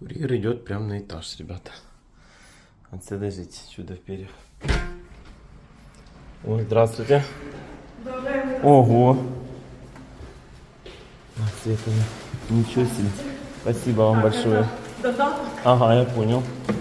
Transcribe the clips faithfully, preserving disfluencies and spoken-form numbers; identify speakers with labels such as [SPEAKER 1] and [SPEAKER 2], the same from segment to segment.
[SPEAKER 1] Курьер идет прямо на этаж, ребята. Отсюда жить, чудо в перьях. Ой, здравствуйте. Ого. А, Света, ничего себе. Спасибо вам большое.
[SPEAKER 2] Додаток.
[SPEAKER 1] Ага, я понял.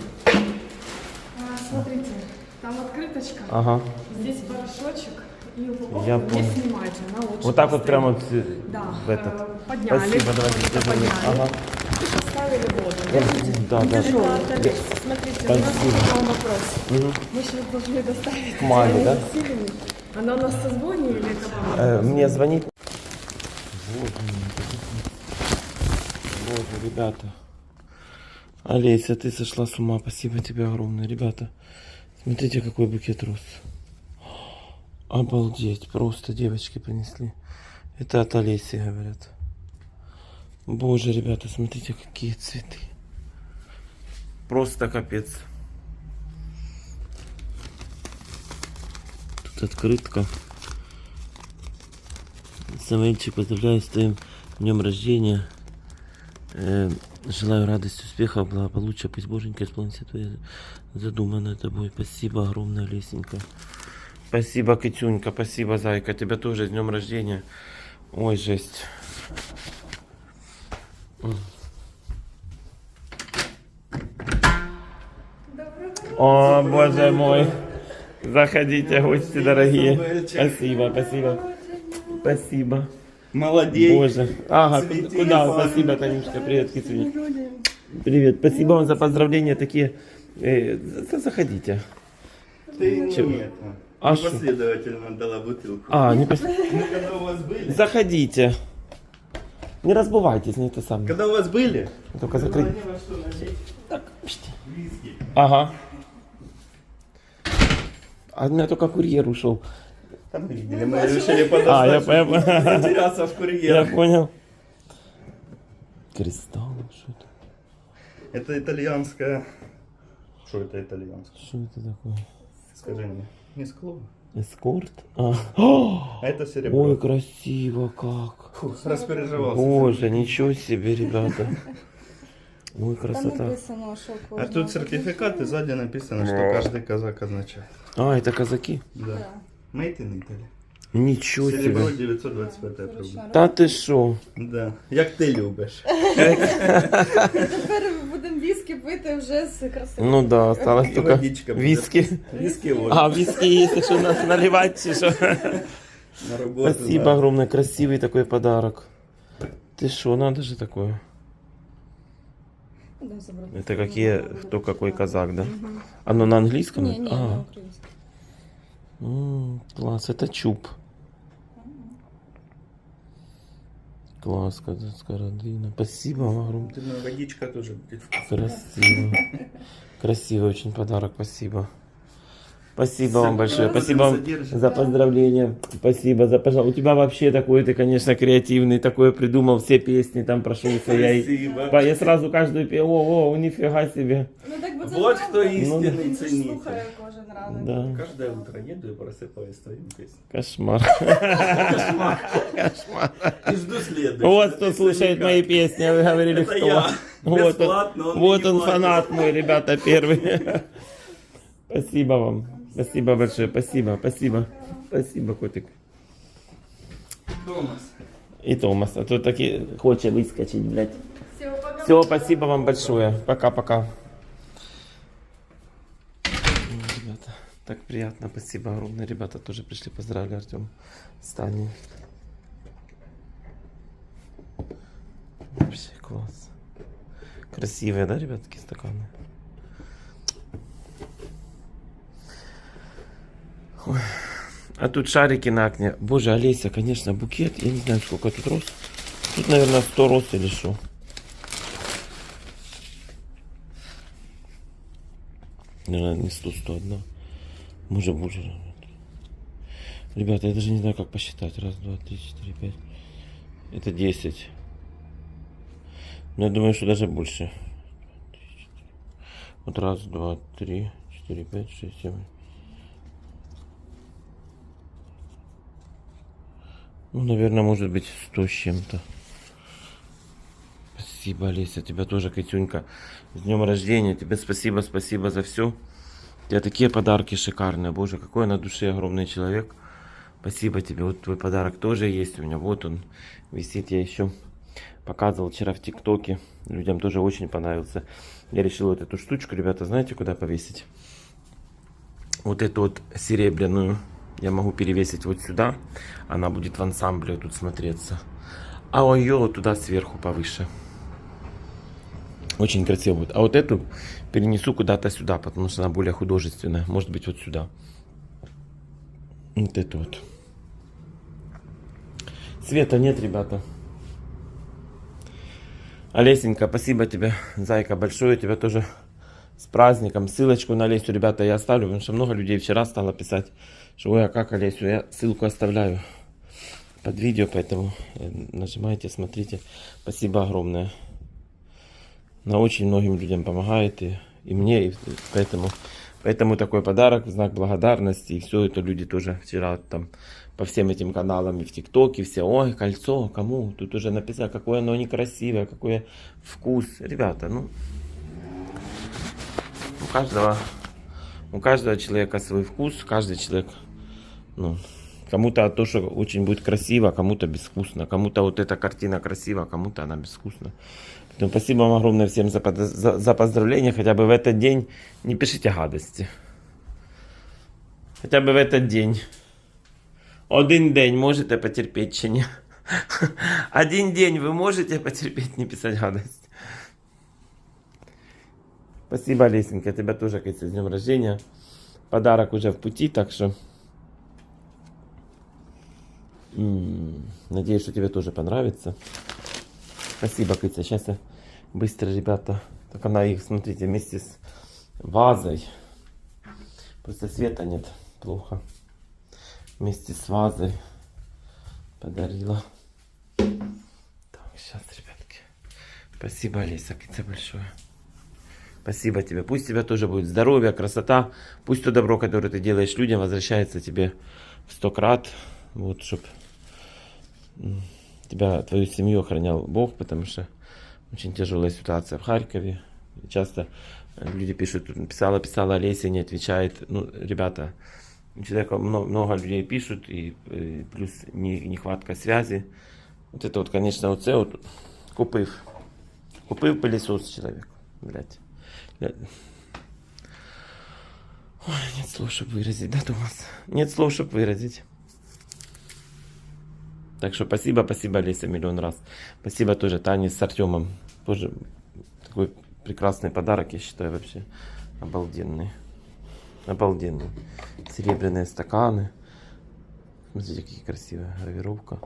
[SPEAKER 2] А, смотрите, там открыточка.
[SPEAKER 1] Ага.
[SPEAKER 2] Здесь порошочек и упаковку
[SPEAKER 1] Я
[SPEAKER 2] не
[SPEAKER 1] понял.
[SPEAKER 2] снимайте. Она лучше
[SPEAKER 1] Вот так вот
[SPEAKER 2] постоит.
[SPEAKER 1] прямо вот, э,
[SPEAKER 2] Да,
[SPEAKER 1] в этот.
[SPEAKER 2] э, подняли.
[SPEAKER 1] Спасибо, давайте.
[SPEAKER 2] Это
[SPEAKER 1] держи.
[SPEAKER 2] подняли.
[SPEAKER 1] Ага.
[SPEAKER 2] И поставили воду. Держите.
[SPEAKER 1] Да, да.
[SPEAKER 2] Это Олесь. Смотрите, у нас
[SPEAKER 1] Спасибо.
[SPEAKER 2] к вам вопрос.
[SPEAKER 1] Мгм.
[SPEAKER 2] Мы сейчас должны доставить
[SPEAKER 1] Маме,
[SPEAKER 2] Диане
[SPEAKER 1] да?
[SPEAKER 2] Васильевне. Она у нас созвонила или кому?
[SPEAKER 1] Э, мне звонить. Боже мой. Боже, ребята. Олеся, ты сошла с ума. Спасибо тебе огромное, ребята. Смотрите, какой букет роз. Обалдеть. Просто девочки принесли. Это от Олеси, говорят. Боже, ребята, смотрите, какие цветы. Просто капец. Тут открытка. Самоильчик, поздравляю с твоим днем рождения. Э, желаю радости, успехов, благополучия. Пусть Боженька исполнит все твои задуманное тобой. Спасибо огромное, Лесенька. Спасибо, Катюнька. Спасибо, Зайка. Тебя тоже с днем рождения. Ой, жесть. О, боже мой. Заходите, гости дорогие. Спасибо, спасибо. Спасибо.
[SPEAKER 3] Молодец.
[SPEAKER 1] Боже. Ага,
[SPEAKER 3] Цвети,
[SPEAKER 1] ку- куда?
[SPEAKER 3] Иван.
[SPEAKER 1] Спасибо, Танюшка. Привет, Китюня. Привет. Спасибо вам за поздравления такие. Э, за- заходите.
[SPEAKER 3] Ты
[SPEAKER 1] Чего?
[SPEAKER 3] не это.
[SPEAKER 1] А что?
[SPEAKER 3] Последовательно дала бутылку.
[SPEAKER 1] А, не пос...
[SPEAKER 3] Мы когда у вас были?
[SPEAKER 1] Заходите. Не разбывайтесь, не это самое.
[SPEAKER 3] Когда у вас были?
[SPEAKER 1] Только закрыть.
[SPEAKER 3] Они во что налить?
[SPEAKER 1] Так, пшти.
[SPEAKER 3] Виски.
[SPEAKER 1] Ага. А у меня только курьер ушел.
[SPEAKER 3] Там мы видели, мы решили
[SPEAKER 1] А, я
[SPEAKER 3] подождать,
[SPEAKER 1] понял.
[SPEAKER 3] чтобы затеряться в
[SPEAKER 1] Я
[SPEAKER 3] курьерах.
[SPEAKER 1] понял. Кристалл, что это?
[SPEAKER 3] Это итальянская... Что это итальянское?
[SPEAKER 1] Что это такое?
[SPEAKER 3] Скажи мне. Не скло.
[SPEAKER 1] Эскорт? А, О,
[SPEAKER 3] А это серебро.
[SPEAKER 1] ой, красиво как.
[SPEAKER 3] Фу, распереживался.
[SPEAKER 1] Боже, ничего себе, ребята. Ой,
[SPEAKER 4] Там
[SPEAKER 1] красота.
[SPEAKER 4] написано, що
[SPEAKER 3] А
[SPEAKER 4] кожного
[SPEAKER 3] тут сертификат, и сзади написано, что каждый казак означает.
[SPEAKER 1] А, это казаки?
[SPEAKER 3] Да. Made in Italy.
[SPEAKER 1] Ничего
[SPEAKER 3] Серебро
[SPEAKER 1] себе.
[SPEAKER 3] дев'ятсот двадцять п'ять рублей.
[SPEAKER 1] Та ти що?
[SPEAKER 3] Да. Як ти любиш.
[SPEAKER 4] Тепер будемо віскі пити вже з красивим.
[SPEAKER 1] Ну да, осталось
[SPEAKER 3] І
[SPEAKER 1] только
[SPEAKER 3] водичка буде.
[SPEAKER 1] виски.
[SPEAKER 3] Виски вот.
[SPEAKER 1] А, виски есть, якщо нас наливать, чи що?
[SPEAKER 3] На работу.
[SPEAKER 1] Спасибо
[SPEAKER 3] да.
[SPEAKER 1] огромное, красивый такой подарок. Ты что, надо же такое?
[SPEAKER 4] Да, забрати.
[SPEAKER 1] Это какие, кто какой казак, да? Оно на английском?
[SPEAKER 4] Ні, ні,
[SPEAKER 1] А,
[SPEAKER 4] на українському.
[SPEAKER 1] м, класс, это чуб. Класс, казацкая родина. Спасибо вам огромное.
[SPEAKER 3] Думаю, водичка тоже будет вкусная.
[SPEAKER 1] Красиво. Красивый очень подарок, спасибо. Спасибо вам
[SPEAKER 3] С
[SPEAKER 1] большое.
[SPEAKER 3] радостью
[SPEAKER 1] Спасибо вам
[SPEAKER 3] содержим.
[SPEAKER 1] за поздравления. Спасибо за пожалуйста. У тебя вообще такой, ты, конечно, креативный, такое придумал, все песни там прошелся. Я, и-
[SPEAKER 3] Спасибо.
[SPEAKER 1] Па- я сразу каждую пел, о, о, нифига себе.
[SPEAKER 4] Ну так бо це
[SPEAKER 3] Вот
[SPEAKER 4] правда.
[SPEAKER 3] хто істинний
[SPEAKER 4] Він же
[SPEAKER 3] цінитель.
[SPEAKER 4] слухає кожен ранок.
[SPEAKER 1] Да,
[SPEAKER 3] Каждое утро еду и просыпаюсь с твоими песнями.
[SPEAKER 1] кошмар.
[SPEAKER 3] И жду следующего.
[SPEAKER 1] Вот кто слушает мои песни, вы говорили,
[SPEAKER 3] Это
[SPEAKER 1] кто.
[SPEAKER 3] я.
[SPEAKER 1] Вот он,
[SPEAKER 3] Бесплатно, он
[SPEAKER 1] вот
[SPEAKER 3] не
[SPEAKER 1] он
[SPEAKER 3] платит.
[SPEAKER 1] фанат мой, ребята, первый. Спасибо вам. Спасибо большое, спасибо, спасибо. Спасибо, котик.
[SPEAKER 3] Томас.
[SPEAKER 1] И Томас, а то таки хочет выскочить, блядь.
[SPEAKER 4] Все, пока.
[SPEAKER 1] Все, спасибо вам большое. Пока-пока. Ребята, так приятно, спасибо огромное. Ребята тоже пришли, поздравили Артем с Таней. Вообще класс. Красивые, да, ребятки, стаканы? Ой. А тут шарики на окне. Боже, Олеся, конечно, букет. Я не знаю, сколько тут роз. Тут, наверное, сто роз или что. Наверное, не сто, сто одна. Может, боже. Ребята, я даже не знаю, как посчитать. Раз, два, три, четыре, пять. Это десять. Но я думаю, что даже больше. Вот раз, два, три, четыре, пять, шесть, семь. Ну, наверное, может быть сто с чем-то. Спасибо, Олеся, тебя тоже, Катюнька. С днем рождения. Тебе спасибо, спасибо за все. У тебя такие подарки шикарные. Боже, какой на душе огромный человек. Спасибо тебе. Вот твой подарок тоже есть у меня. Вот он висит. Я еще показывал вчера в ТикТоке. Людям тоже очень понравился. Я решил вот эту штучку, ребята, знаете, куда повесить? Вот эту вот серебряную я могу перевесить вот сюда. Она будет в ансамбле тут смотреться. А ее вот туда сверху повыше. Очень красиво будет. А вот эту перенесу куда-то сюда, потому что она более художественная. Может быть, вот сюда. Вот эту вот. Света нет, ребята. Олесенька, спасибо тебе, зайка, большое. Тебя тоже с праздником. Ссылочку на Олесю, ребята, я оставлю, потому что много людей вчера стало писать, что ой, а как Олесю? Я ссылку оставляю под видео, поэтому нажимайте, смотрите. Спасибо огромное. На очень многим людям помогает, и, и мне, и поэтому, поэтому такой подарок в знак благодарности. И все это люди тоже вчера там по всем этим каналам и в ТикТоке все, ой, кольцо, кому? Тут уже написано, какое оно некрасивое, какой вкус. Ребята, ну, у каждого, у каждого человека свой вкус, каждый человек, ну, кому-то то, что очень будет красиво, кому-то безвкусно, кому-то вот эта картина красива, кому-то она безвкусна. Поэтому спасибо вам огромное всем за, за, за поздравления, хотя бы в этот день не пишите гадости. Хотя бы в этот день. Один день можете потерпеть чи ні? Один день вы можете потерпеть, не писать гадость. Спасибо, Лесенька, тебя тоже, Катя, с днем рождения. Подарок уже в пути, так что м-м, надеюсь, что тебе тоже понравится. Спасибо, Катя. Сейчас я быстро, ребята. Так она их, смотрите, вместе с вазой. Просто света нет. Плохо. Вместе с вазой подарила. Так, сейчас, ребятки. Спасибо, Олеся, Катя, большое. Спасибо тебе. Пусть у тебя тоже будет здоровье, красота. Пусть то добро, которое ты делаешь людям, возвращается тебе в сто крат. Вот, чтоб тебя, твою семью охранял Бог, потому что очень тяжелая ситуация в Харькове. Часто люди пишут, писала, писала Олеся, не отвечает. Ну, ребята, у человека много, много людей пишут, и, и плюс не, нехватка связи. Вот это вот, конечно, вот це вот купив. Купив пылесос человек, блядь. Ой, нет слов, чтобы выразить, да, Томас? Нет слов, чтобы выразить. Так что спасибо, спасибо, Леся, миллион раз. Спасибо тоже Тане с Артемом. Тоже такой прекрасный подарок, я считаю, вообще обалденный. Обалденный. Серебряные стаканы. Смотрите, какие красивые. Гравировка.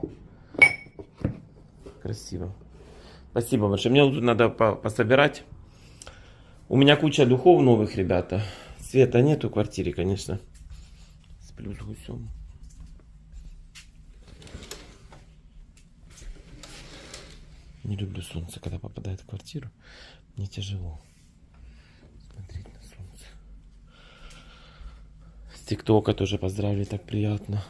[SPEAKER 1] Красиво. Спасибо большое. Мне тут надо по пособирать. У меня куча духов новых, ребята. Света нету в квартире, конечно. Сплю с гусем. Не люблю солнце, когда попадает в квартиру. Мне тяжело смотреть на солнце. С ТикТока тоже поздравили, так приятно.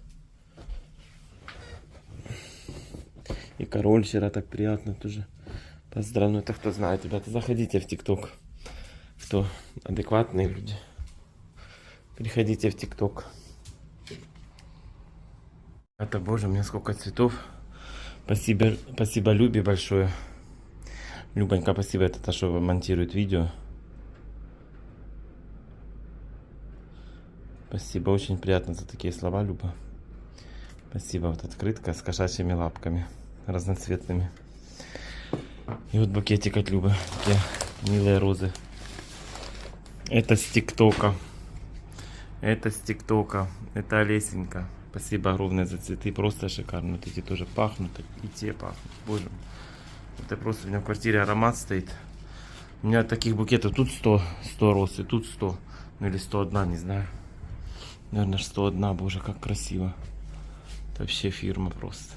[SPEAKER 1] И король вчера так приятно тоже поздравил. Ну это кто знает, ребята, заходите в ТикТок. Кто адекватные люди, переходите в ТикТок. Это, боже, у меня сколько цветов. Спасибо, спасибо Любе большое. Любонька, спасибо, это та, что монтирует видео. Спасибо, очень приятно за такие слова, Люба. Спасибо, вот открытка с кошачьими лапками разноцветными. И вот букетик от Любы, такие милые розы. Это с ТикТока. Это с ТикТока. Это Олесенька. Спасибо огромное за цветы. Просто шикарно. Вот эти тоже пахнут. И те пахнут. Боже мой. Это просто у меня в квартире аромат стоит. У меня таких букетов тут сто, сто роз. И тут сто. Ну или сто один, не знаю. Наверное, сто один. Боже, как красиво. Это вообще фирма просто.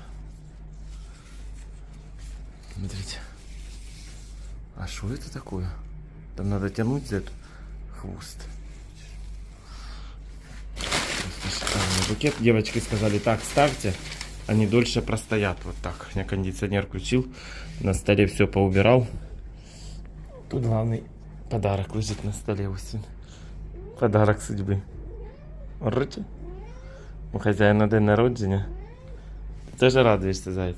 [SPEAKER 1] Смотрите. А что это такое? Там надо тянуть за эту хвост. Шикарный букет. Девочки сказали, так, ставьте. они дольше простоят. Вот так. Я кондиционер включил, на столе все поубирал. Тут главный подарок лежит на столе. Ось він. Подарок судьбы. Ороче? У хазяїна день народження. Ти теж радуєшся, зайць?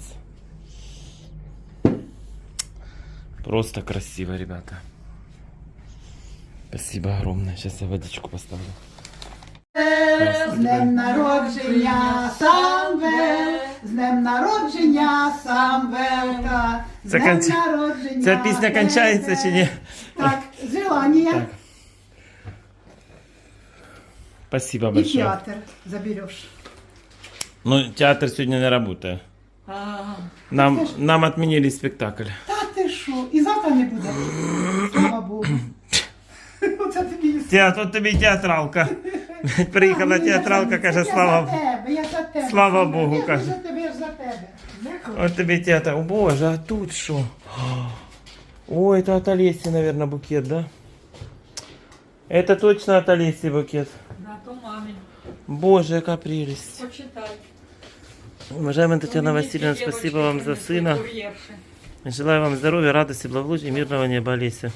[SPEAKER 1] Просто красиво, ребята. Спасибо огромное. Сейчас я водичку поставлю.
[SPEAKER 5] З днем народження, Самвел, з днем народження, Самвелка, з
[SPEAKER 1] Це
[SPEAKER 5] днем
[SPEAKER 1] конч-
[SPEAKER 5] народження.
[SPEAKER 1] Ця пісня кончається чи ні?
[SPEAKER 5] Так, желання.
[SPEAKER 1] Так. Спасибо
[SPEAKER 5] І
[SPEAKER 1] большое.
[SPEAKER 5] театр забереш.
[SPEAKER 1] Ну, театр сегодня не работает. Нам, нам отменили спектакль.
[SPEAKER 5] Та ти що? І завтра не буде. Слава Богу. Оце тобі і
[SPEAKER 1] Театр, от тобі і театралка. Приїхала театралка, каже,
[SPEAKER 5] Я за
[SPEAKER 1] слава,
[SPEAKER 5] тебе, я за тебе.
[SPEAKER 1] слава Богу,
[SPEAKER 5] Я
[SPEAKER 1] каже.
[SPEAKER 5] за тебе, я ж за тебе.
[SPEAKER 1] от тобі театр. О боже, а тут що? О, это от Олеси, наверное, букет, да? Это точно от Олеси букет.
[SPEAKER 6] Да, то мамин.
[SPEAKER 1] Боже, яка прелесть.
[SPEAKER 6] Почитай.
[SPEAKER 1] Уважаемая Татьяна Васильевна, спасибо вам за сына. Желаю вам здоровья, радости, благополучия и мирного неба, Олеся.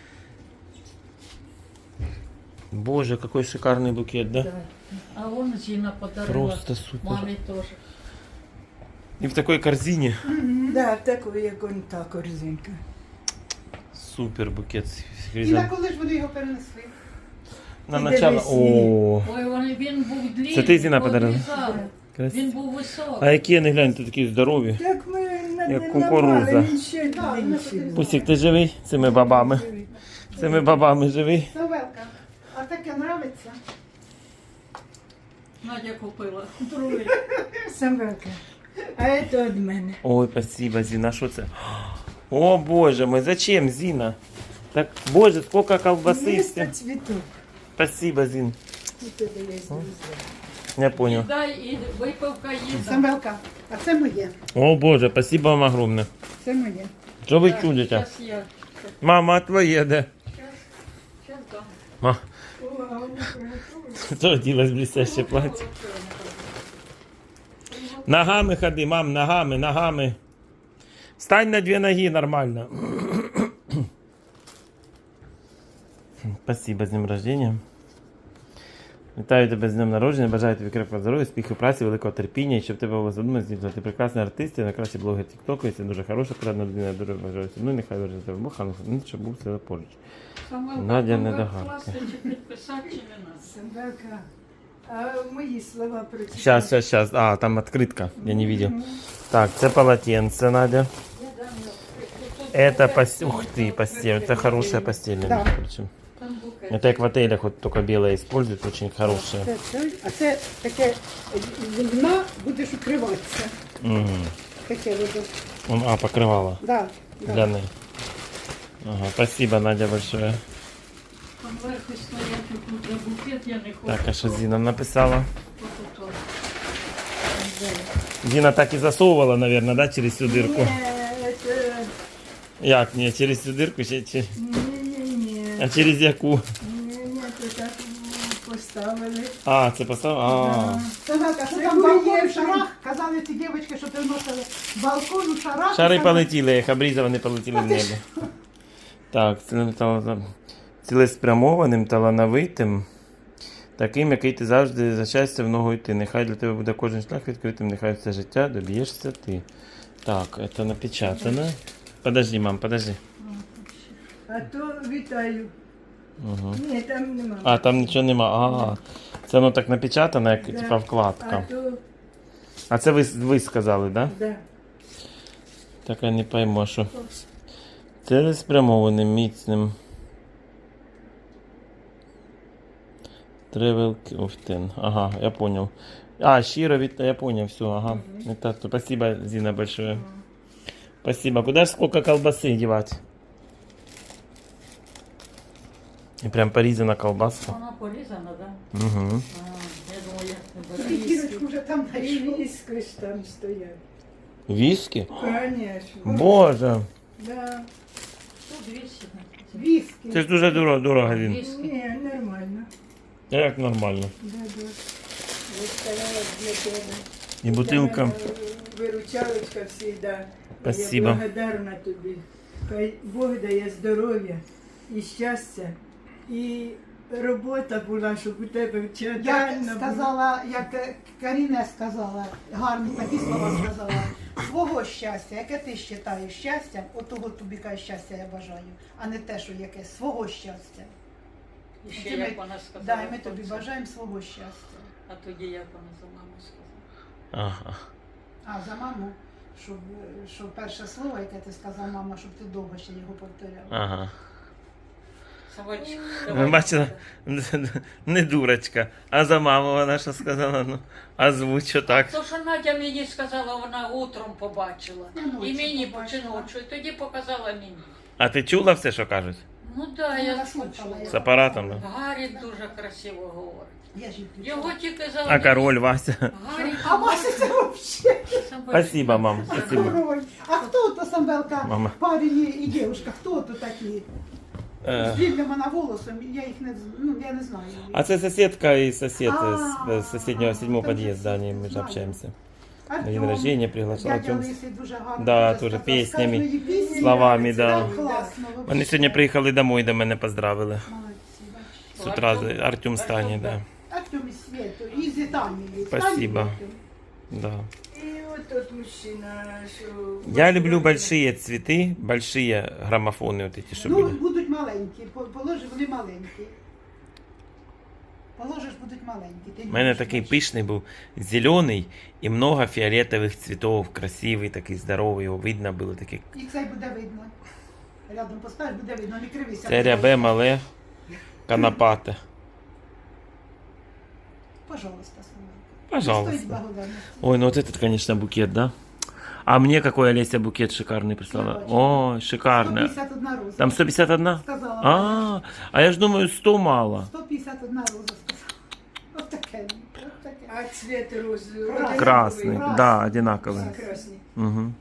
[SPEAKER 1] Боже, какой шикарный букет, да?
[SPEAKER 6] А он Зина подарила.
[SPEAKER 1] Просто супер.
[SPEAKER 6] Маме тоже.
[SPEAKER 1] И в такой корзине.
[SPEAKER 7] Да, такої, як он та корзинка.
[SPEAKER 1] Супер букет. с
[SPEAKER 5] І
[SPEAKER 1] хризан-
[SPEAKER 5] на коли ж вони його перенесли?
[SPEAKER 1] На
[SPEAKER 7] Ти
[SPEAKER 1] начало.
[SPEAKER 7] дивись,
[SPEAKER 1] О,
[SPEAKER 6] Ой, він, він був длинний.
[SPEAKER 1] Це ти, Зіна, подарила?
[SPEAKER 6] обрізали. Він
[SPEAKER 1] красиво.
[SPEAKER 6] був високий.
[SPEAKER 1] А які вони, гляньте, такі здорові.
[SPEAKER 7] Як ми на
[SPEAKER 1] Як кукурудза.
[SPEAKER 7] він ще
[SPEAKER 5] Да,
[SPEAKER 7] длинніший був.
[SPEAKER 1] Пусік, ти живий? Цими бабами. Цими бабами живий.
[SPEAKER 5] Самвелка, а таке нравиться?
[SPEAKER 6] Надя купила. Другий.
[SPEAKER 7] Самвелка. А це від мене.
[SPEAKER 1] Ой, спасибо, Зина, що це? О, боже мой, зачем, Зина? Так, боже, сколько колбасы.
[SPEAKER 7] Місто
[SPEAKER 1] всем.
[SPEAKER 7] цвіток.
[SPEAKER 1] Спасибо, Зин.
[SPEAKER 7] У тебе є друзі.
[SPEAKER 1] Я понял.
[SPEAKER 6] Дай і випивка їда.
[SPEAKER 5] Самвелка, а це моє.
[SPEAKER 1] О, боже, спасибо вам огромное.
[SPEAKER 5] Це моє.
[SPEAKER 1] Что вы чудите?
[SPEAKER 6] Щас я.
[SPEAKER 1] Мама, а твоє де?
[SPEAKER 6] Щас дам.
[SPEAKER 1] Ма. Что оделась блестящее платье? Ногами ходи, мам, ногами, ногами. Стань на две ноги нормально. Спасибо, з днем рождения. Вітаю тебе з днем народження, бажаю тобі крепкого здоров'я, успіху, праці, великого терпіння, і щоб тебе було задумано здійснити. Ти прекрасний артист, ти найкращий блогер тіктоку, і це дуже хороша, порадна людина, дуже бажаю собі, нехай верже тебе Бог, а не щоб був все поруч.
[SPEAKER 6] Самвелка,
[SPEAKER 1] Надя
[SPEAKER 6] там
[SPEAKER 1] недогарка.
[SPEAKER 6] класти чи підписати, чи не надо?
[SPEAKER 7] Самвелка. А мої слова про тебе.
[SPEAKER 1] Сейчас, сейчас, сейчас. А, там открытка, я не видел. Так, это полотенце, Надя. Это постель. Ух ты, постель. Это хорошая постель, между прочим.
[SPEAKER 6] Там букет.
[SPEAKER 1] Это как в отелях вот только белое используют, очень хорошая.
[SPEAKER 5] Це, це, а це таке вільна, будеш укриватися.
[SPEAKER 1] Угу.
[SPEAKER 5] Таке буде.
[SPEAKER 1] Он, а, покрывало.
[SPEAKER 5] Да, да.
[SPEAKER 1] Гляны. Ага, спасибо, Надя, большое.
[SPEAKER 6] Там вверху стоять тут де букет, я не хочу.
[SPEAKER 1] Так, а что Зина написала?
[SPEAKER 6] От, от, от.
[SPEAKER 1] Зина так и засовывала, наверное, да, через всю дырку?
[SPEAKER 7] Ні, це...
[SPEAKER 1] Як, не, через всю дырку, ще- чи-
[SPEAKER 7] Ні-ні-ні.
[SPEAKER 1] а через яку?
[SPEAKER 7] Ні-ні, це так поставили.
[SPEAKER 1] А, це поставила? А.
[SPEAKER 5] Самвелка, що
[SPEAKER 7] Це
[SPEAKER 5] там балкон
[SPEAKER 7] моє
[SPEAKER 5] в шарах? Казали ці дівчатки, що приносили балкон у шарах.
[SPEAKER 1] Шари
[SPEAKER 5] Саме-
[SPEAKER 1] полетіли, їх обрізав, вони полетіли в небо. Так, цілим тала- цілеспрямованим, талановитим, таким, який ти завжди за щастя в ногу йти. Нехай для тебе буде кожен шлях відкритим, нехай все життя доб'єшся ти. Так, це напечатано. Подожди, мам, подожди.
[SPEAKER 7] А то вітаю.
[SPEAKER 1] Угу.
[SPEAKER 7] Ні, там нема.
[SPEAKER 1] А, там нічого нема. А, це воно так напечатано, як
[SPEAKER 7] Да.
[SPEAKER 1] типа
[SPEAKER 7] А
[SPEAKER 1] вкладка.
[SPEAKER 7] то,
[SPEAKER 1] А це ви, ви сказали, да?
[SPEAKER 7] да.
[SPEAKER 1] Так я не пойму, що. Цілеспрямованим, міцним. Travel Often. Ага, я понял. А, щиро від... Я понял, все, ага. Это, то- спасибо, Зина, большое. Спасибо. Куда ж сколько колбасы девать? И прям порезана колбаска.
[SPEAKER 6] Вона порізана, да?
[SPEAKER 1] Угу.
[SPEAKER 6] А, я думаю, як тебе.
[SPEAKER 5] І дірочку вже там
[SPEAKER 7] І
[SPEAKER 5] знайшов.
[SPEAKER 7] віски ж там стоять.
[SPEAKER 1] Виски?
[SPEAKER 7] Конечно.
[SPEAKER 1] Боже.
[SPEAKER 7] Да.
[SPEAKER 6] Тут двісті.
[SPEAKER 5] Віскі.
[SPEAKER 1] Це ж дуже дорого, дорого він.
[SPEAKER 6] Віскі.
[SPEAKER 7] Ні, нормально.
[SPEAKER 1] Як нормально.
[SPEAKER 7] Да, да. Виставляла для тебе.
[SPEAKER 1] І бутилка.
[SPEAKER 7] Для мене Виручалочка завжди.
[SPEAKER 1] Спасибо.
[SPEAKER 7] Я благодарна тобі. Хай Бог дає здоров'я і щастя, і робота була, щоб у тебе
[SPEAKER 5] Як
[SPEAKER 7] вчитель
[SPEAKER 5] сказала, як е, Каріна сказала, гарні такі слова сказала, свого щастя, яке ти вважаєш щастям, отого тобі каже щастя я бажаю, а не те, що яке свого щастя.
[SPEAKER 6] І ще
[SPEAKER 5] Це ми-
[SPEAKER 6] як вона сказала.
[SPEAKER 5] Да, і ми тобі
[SPEAKER 6] хлопцям.
[SPEAKER 5] бажаємо свого щастя.
[SPEAKER 6] А тоді як вона за маму сказала.
[SPEAKER 1] Ага.
[SPEAKER 5] А за маму, щоб, е, щоб перше слово, яке ти сказав, мама, щоб ти довго ще його повторяв.
[SPEAKER 1] Ага.
[SPEAKER 6] Савочка,
[SPEAKER 1] Ви
[SPEAKER 6] давай.
[SPEAKER 1] бачили? Не дурочка. А за маму вона що сказала? Ну, озвучу так.
[SPEAKER 6] То, що Надя мені сказала, вона утром побачила.
[SPEAKER 5] Ну, ночі
[SPEAKER 6] І мені
[SPEAKER 5] побачила.
[SPEAKER 6] чи ночі, і тоді показала мені.
[SPEAKER 1] А ти чула все, що кажуть?
[SPEAKER 6] Ну так, да, я
[SPEAKER 5] Вона слухала,
[SPEAKER 6] слухала.
[SPEAKER 5] я
[SPEAKER 1] З апаратом, да?
[SPEAKER 6] Гаррі дуже красиво говорить.
[SPEAKER 5] Я ж її включила.
[SPEAKER 6] Його тільки за...
[SPEAKER 1] А король Вася?
[SPEAKER 6] Гаррі,
[SPEAKER 5] А Вася це взагалі
[SPEAKER 1] Спасибо, мам. Спасибо.
[SPEAKER 5] король. А хто то Самвелка,
[SPEAKER 1] Мама.
[SPEAKER 5] парень і дівчинка, хто то такі?
[SPEAKER 1] Е,
[SPEAKER 5] З длинним вона волосом, я їх не, з- ну, я не знаю.
[SPEAKER 1] А це сусідка і сусід
[SPEAKER 5] А,
[SPEAKER 1] з сусіднього седьмого
[SPEAKER 5] там
[SPEAKER 1] під'їзду,
[SPEAKER 5] же
[SPEAKER 1] они, ми ж
[SPEAKER 5] знаю.
[SPEAKER 1] общаємося. На
[SPEAKER 5] Артем,
[SPEAKER 1] день рождения приглашал
[SPEAKER 5] дядя
[SPEAKER 1] Артем.
[SPEAKER 5] Лисий дуже гарно
[SPEAKER 1] Да,
[SPEAKER 5] дуже
[SPEAKER 1] тоже
[SPEAKER 5] сказав,
[SPEAKER 1] піснями,
[SPEAKER 5] з кожної пісні.
[SPEAKER 1] словами, да.
[SPEAKER 5] Так класно.
[SPEAKER 1] Вони
[SPEAKER 5] вообще.
[SPEAKER 1] сьогодні приїхали домой, до мене поздравили.
[SPEAKER 5] Молодці, бачиш.
[SPEAKER 1] З утра
[SPEAKER 6] Артем?
[SPEAKER 1] Артем Стані, да.
[SPEAKER 5] Артем і Світу, і з Італії.
[SPEAKER 1] Спасибо.
[SPEAKER 5] Італії.
[SPEAKER 1] Да.
[SPEAKER 7] І от от мужчина, що...
[SPEAKER 1] Я люблю большие цветы, большие граммофоны вот эти, что
[SPEAKER 5] Ну,
[SPEAKER 1] были.
[SPEAKER 5] будуть маленькі, по- положи, вони маленькі. Положиш, будуть маленькі. Ти
[SPEAKER 1] У мене
[SPEAKER 5] любиш,
[SPEAKER 1] такий
[SPEAKER 5] бачиш.
[SPEAKER 1] пишний був, зелений і много фіолетових цветов, красивий, такий здоровий, його видно було таке.
[SPEAKER 5] І цей буде видно. Рядом поставиш, буде видно, не кривися.
[SPEAKER 1] Це рябе мале, канапате.
[SPEAKER 5] Пожалуйста, Самвелка.
[SPEAKER 1] Пожалуйста.
[SPEAKER 5] Стоїть благодарності.
[SPEAKER 1] Ой, ну вот этот, конечно, букет, да? А мне какой Олеся букет шикарный прислала.
[SPEAKER 5] Я бачу.
[SPEAKER 1] Ой, шикарный.
[SPEAKER 5] сто п'ятдесят одна роза.
[SPEAKER 1] Там сто пятьдесят один?
[SPEAKER 5] Сказала.
[SPEAKER 1] А, а я ж думаю, сто мало.
[SPEAKER 5] сто п'ятдесят одна роза сказала. От таке. От таке.
[SPEAKER 7] А цвет роз...
[SPEAKER 1] Красный,
[SPEAKER 5] Красный.
[SPEAKER 1] да, одинаковый.
[SPEAKER 7] Красный.
[SPEAKER 1] Угу.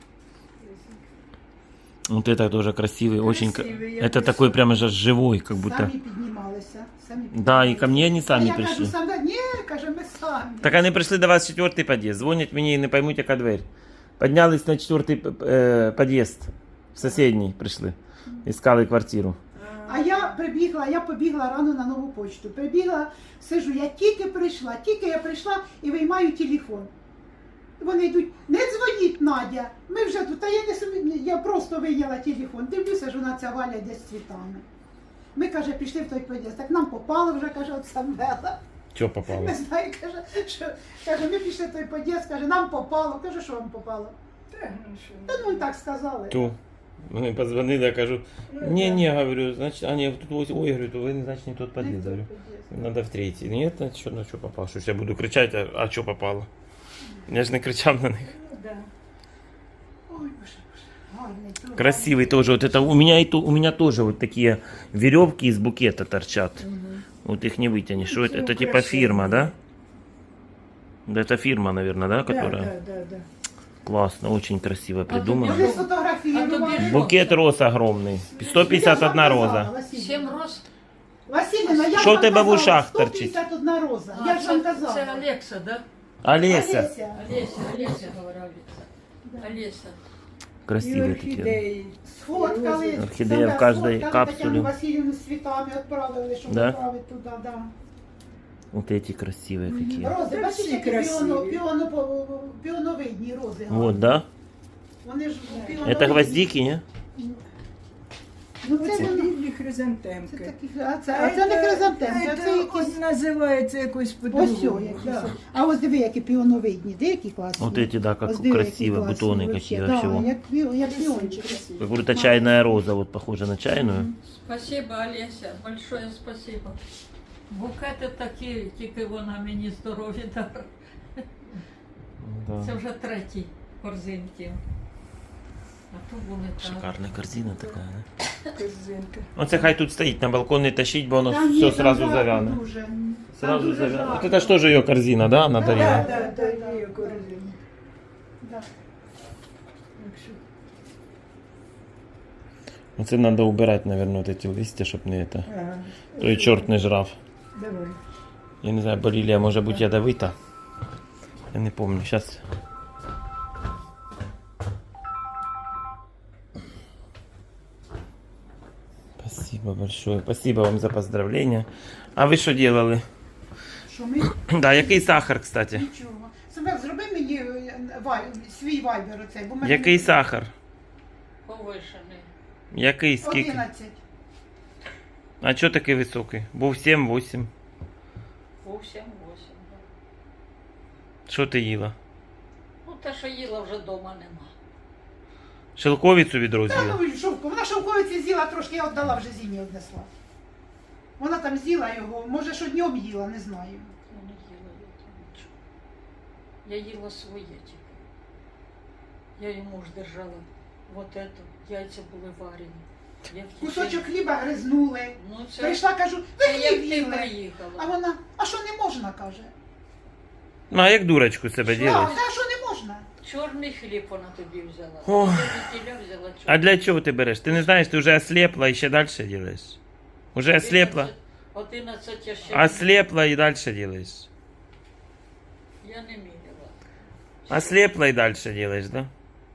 [SPEAKER 1] Вот это тоже красивый, очень. ка-
[SPEAKER 7] Красивый, я
[SPEAKER 1] Это
[SPEAKER 7] пришла.
[SPEAKER 1] такой прямо же живой, как будто.
[SPEAKER 5] Самі піднімалися. Самі
[SPEAKER 1] Да,
[SPEAKER 5] піднімалися.
[SPEAKER 1] и ко мне они
[SPEAKER 5] А
[SPEAKER 1] сами
[SPEAKER 5] я кажу,
[SPEAKER 1] пришли.
[SPEAKER 5] саме, ні, каже, ми самі.
[SPEAKER 1] Так они пришли до вас в четвертый подъезд. Звонят мне и не поймут, яка дверь. Поднялись на четвертый э, подъезд. В соседний пришли. Искали квартиру.
[SPEAKER 5] А я прибігла, я побігла рано на нову почту. Прибігла, сижу, я тільки прийшла, тільки я прийшла і виймаю телефон. Вони йдуть, не дзвоніть, Надя, ми вже тут, а я не собі, я просто вийняла телефон, дивлюся, що вона ця Валя десь з цвітами. Ми, каже, пішли в той під'їзд, так нам попало вже, каже, от Самвела.
[SPEAKER 1] Чё попало?
[SPEAKER 5] Не знаю, каже, що, каже, ми пішли в той під'їзд, каже, нам попало. Каже, що вам попало?
[SPEAKER 7] Так, ну що.
[SPEAKER 5] Та ну так сказали.
[SPEAKER 1] Ту. Вони позвонили, я кажу, не, не, говорю, значит, а не, тут, ось- ой, говорю, то вы, значит, не тот подъезд, говорю. Надо в третий. Нет, значит, что, на что попало? Что ж я буду кричать, а, а что попало? Я же не кричав на них.
[SPEAKER 7] Ну, да.
[SPEAKER 5] Ой, боже, боже, гарний. то
[SPEAKER 1] Красивый тоже. Вот это у меня и то, у меня тоже вот такие веревки из букета торчат. Вот их не вытянешь. Что это?
[SPEAKER 7] Это
[SPEAKER 1] Это типа
[SPEAKER 7] украшение.
[SPEAKER 1] фирма, да? Да, это фирма, наверное, да, которая?
[SPEAKER 7] Да, да, да, да.
[SPEAKER 1] Классно, очень красиво
[SPEAKER 6] тобі
[SPEAKER 1] придумано.
[SPEAKER 5] Вони сфотографували.
[SPEAKER 6] А тобі
[SPEAKER 1] Букет роз огромный. сто пятьдесят одна роза.
[SPEAKER 6] Сім роз?
[SPEAKER 5] Василіна, я
[SPEAKER 1] Що
[SPEAKER 5] ж
[SPEAKER 1] в тебе
[SPEAKER 5] вам
[SPEAKER 1] в ушах
[SPEAKER 5] казала,
[SPEAKER 1] торчить?
[SPEAKER 5] сто п'ятдесят одна роза.
[SPEAKER 6] А,
[SPEAKER 5] Я ж вам
[SPEAKER 6] це,
[SPEAKER 5] казала.
[SPEAKER 6] це Олекса, да?
[SPEAKER 1] Олеся.
[SPEAKER 5] Олеся.
[SPEAKER 6] Олеся, Олеся говорила. Олеся.
[SPEAKER 7] І
[SPEAKER 1] Красивые такие.
[SPEAKER 7] орхідеї.
[SPEAKER 5] Сфоткали.
[SPEAKER 1] Орхідея
[SPEAKER 5] себе
[SPEAKER 1] в кожній
[SPEAKER 5] сфоткали,
[SPEAKER 1] капсулі.
[SPEAKER 5] Тетяну Васильівну з цвітами відправили, щоб
[SPEAKER 1] Да?
[SPEAKER 5] відправити туди, да.
[SPEAKER 1] Вот эти красивые какие.
[SPEAKER 5] Рози,
[SPEAKER 7] Та
[SPEAKER 5] бачиш,
[SPEAKER 7] всі
[SPEAKER 5] які
[SPEAKER 7] красиві.
[SPEAKER 5] піоно, піоно, піоновидні рози.
[SPEAKER 1] Вот, да?
[SPEAKER 5] Вони ж піоновидні.
[SPEAKER 1] Это гвоздики, не?
[SPEAKER 5] Ну,
[SPEAKER 7] Оце
[SPEAKER 5] це, не-
[SPEAKER 7] білі
[SPEAKER 5] це
[SPEAKER 7] хризантемки.
[SPEAKER 5] такі, а це, а це не хризантемки, а це якісь...
[SPEAKER 7] Ось називається якось
[SPEAKER 5] Ось
[SPEAKER 7] по-другому.
[SPEAKER 5] о, які. А ось диви, які піоновидні, де які класні.
[SPEAKER 1] Вот эти, да, как
[SPEAKER 5] Ось диви, які
[SPEAKER 1] красиво,
[SPEAKER 5] класні
[SPEAKER 1] бутоны
[SPEAKER 5] вообще.
[SPEAKER 1] какие
[SPEAKER 5] Да,
[SPEAKER 1] вообще.
[SPEAKER 5] як, пі- як піончик.
[SPEAKER 1] Как будто чайная роза, вот похожа на чайную.
[SPEAKER 6] Спасибо, Олеся, большое спасибо. Букети такі, тільки вона мені здоров'я дала. Це
[SPEAKER 1] Да.
[SPEAKER 6] вже третій корзинки. А то були так.
[SPEAKER 1] Шикарная корзина такая, да?
[SPEAKER 7] Корзинка.
[SPEAKER 1] Оце хай тут стоїть, на балкон не тащить, бо воно
[SPEAKER 5] Та ні,
[SPEAKER 1] все
[SPEAKER 5] там
[SPEAKER 1] сразу
[SPEAKER 5] жарко
[SPEAKER 1] завяне.
[SPEAKER 5] дуже.
[SPEAKER 1] Сразу
[SPEAKER 5] дуже
[SPEAKER 1] завяне.
[SPEAKER 5] жарко.
[SPEAKER 1] Вот это что же ее корзина, да, она
[SPEAKER 5] Да,
[SPEAKER 1] дарила?
[SPEAKER 7] Да, да, да, є корзинка.
[SPEAKER 5] Да.
[SPEAKER 7] Так що
[SPEAKER 1] Оце надо убирать, наверное, вот эти листья, щоб не это.
[SPEAKER 7] Ага.
[SPEAKER 1] То и черт не жрав.
[SPEAKER 7] Давай.
[SPEAKER 1] Я не знаю, борилия може бути ядовита. Я не помню, сейчас. Спасибо большое. Спасибо вам за поздравления. А ви що делали?
[SPEAKER 5] Що ми?
[SPEAKER 1] Да, який сахар, кстати?
[SPEAKER 5] Нічого. Самвел, зроби мені е, вай- свій вайбер оцей, бо в мене
[SPEAKER 1] Який сахар?
[SPEAKER 6] Повишений.
[SPEAKER 1] Який, скільки?
[SPEAKER 5] одинадцять.
[SPEAKER 1] А чого такий високий? Був сім-вісім.
[SPEAKER 6] Вовсім восім. Да.
[SPEAKER 1] Що ти їла?
[SPEAKER 6] Ну, те, що їла, вже вдома нема.
[SPEAKER 1] Шелковицю відро
[SPEAKER 5] Та
[SPEAKER 1] з'їла?
[SPEAKER 5] ну шовку. Вона шовковиці з'їла трошки, я віддала вже Зіні однесла. Вона там з'їла його, може, що днем їла, не знаю.
[SPEAKER 6] Я не їла я там нічого. Я їла своє тільки. Я йому ж держала вот это, яйця були варені. Я в
[SPEAKER 5] Кусочок
[SPEAKER 6] течі-
[SPEAKER 5] хліба гризнули.
[SPEAKER 6] Ну, це,
[SPEAKER 5] Прийшла, кажу, ви
[SPEAKER 6] це як
[SPEAKER 5] хліб
[SPEAKER 6] ти
[SPEAKER 5] їли.
[SPEAKER 6] приїхала.
[SPEAKER 5] А вона, а що не можна, каже.
[SPEAKER 1] Ну, а як дурочку себе
[SPEAKER 5] А,
[SPEAKER 1] ділиш?
[SPEAKER 5] та що не можна?
[SPEAKER 6] Чорний хліб вона тобі взяла.
[SPEAKER 1] Ох.
[SPEAKER 6] Я від тіля взяла чорний.
[SPEAKER 1] А для чого ти береш? Ти не знаєш, ти вже ослепла і ще далі робиш. Уже ослепла,
[SPEAKER 6] одинадцять я ще
[SPEAKER 1] ослепла і далі робиш.
[SPEAKER 6] я не міряла.
[SPEAKER 1] Ослепла і далі робиш, да?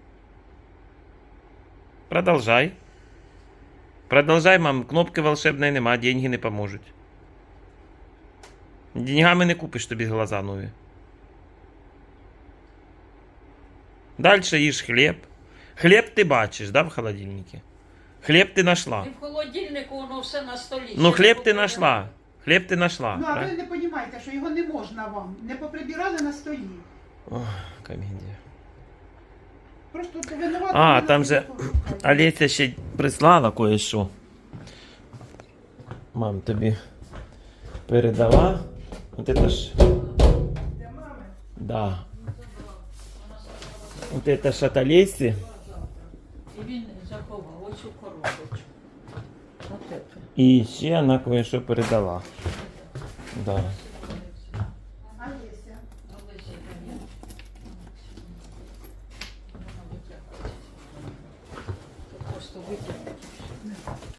[SPEAKER 1] Продолжай. Продолжай, мам. Кнопки волшебної нема, деньги не поможуть. Деньгами не купиш тобі глаза нові. Дальше їж хліб. Хліб ти бачиш, да, в холодильнику? Хліб ти знайшла.
[SPEAKER 6] І в холодильнику воно все на столі.
[SPEAKER 1] Ну,
[SPEAKER 6] Ще
[SPEAKER 1] хліб
[SPEAKER 6] не
[SPEAKER 1] ти
[SPEAKER 6] поприбирала.
[SPEAKER 1] знайшла. Хліб ти знайшла.
[SPEAKER 5] Ну, а ви
[SPEAKER 1] правильно?
[SPEAKER 5] не розумієте, що його не можна вам. Не поприбирали на столі.
[SPEAKER 1] Ох, комедія.
[SPEAKER 5] Просто то винувати.
[SPEAKER 1] А,
[SPEAKER 5] не
[SPEAKER 1] там
[SPEAKER 5] надо,
[SPEAKER 1] же
[SPEAKER 5] пошукайте.
[SPEAKER 1] Олеся ще прислала кое-що. Мам, тобі передала. Вот это ж. Да. Вот это ж от Олесі.
[SPEAKER 6] І він заховав оцю коробочку. От це.
[SPEAKER 1] І ще вона кое-що передала. Да.